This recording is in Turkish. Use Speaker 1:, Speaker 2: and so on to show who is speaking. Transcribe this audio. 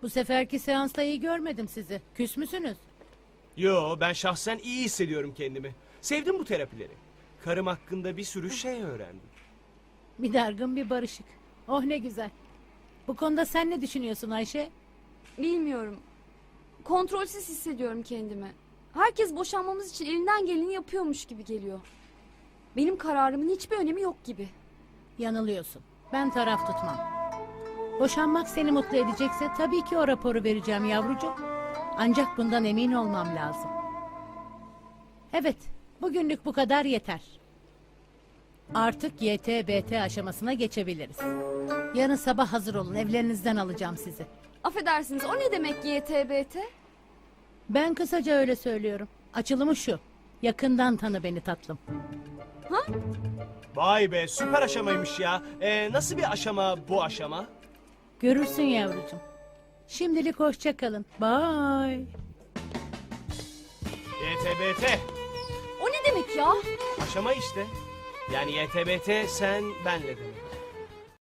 Speaker 1: Bu seferki seansta iyi görmedim sizi. Küs müsünüz?
Speaker 2: Yo, ben şahsen iyi hissediyorum kendimi. Sevdim bu terapileri. Karım hakkında bir sürü şey öğrendim.
Speaker 1: Bir dargın bir barışık. Oh ne güzel. Bu konuda sen ne düşünüyorsun Ayşe?
Speaker 3: Bilmiyorum. Kontrolsüz hissediyorum kendimi. Herkes boşanmamız için elinden geleni yapıyormuş gibi geliyor. Benim kararımın hiçbir önemi yok gibi.
Speaker 1: Yanılıyorsun. Ben taraf tutmam. Boşanmak seni mutlu edecekse tabii ki o raporu vereceğim yavrucuğum. Ancak bundan emin olmam lazım. Evet, bugünlük bu kadar yeter. Artık YTBT aşamasına geçebiliriz. Yarın sabah hazır olun, evlerinizden alacağım sizi.
Speaker 3: Affedersiniz, o ne demek YTBT?
Speaker 1: Ben kısaca öyle söylüyorum. Açılımı şu. Yakından tanı beni tatlım.
Speaker 2: Vay be, süper aşamaymış ya. Nasıl bir aşama bu aşama?
Speaker 1: Görürsün yavrucuğum. Şimdilik hoşça kalın. Bye.
Speaker 2: YTBT.
Speaker 3: O ne demek ya?
Speaker 2: Aşama işte. Yani YTBT sen benle demek.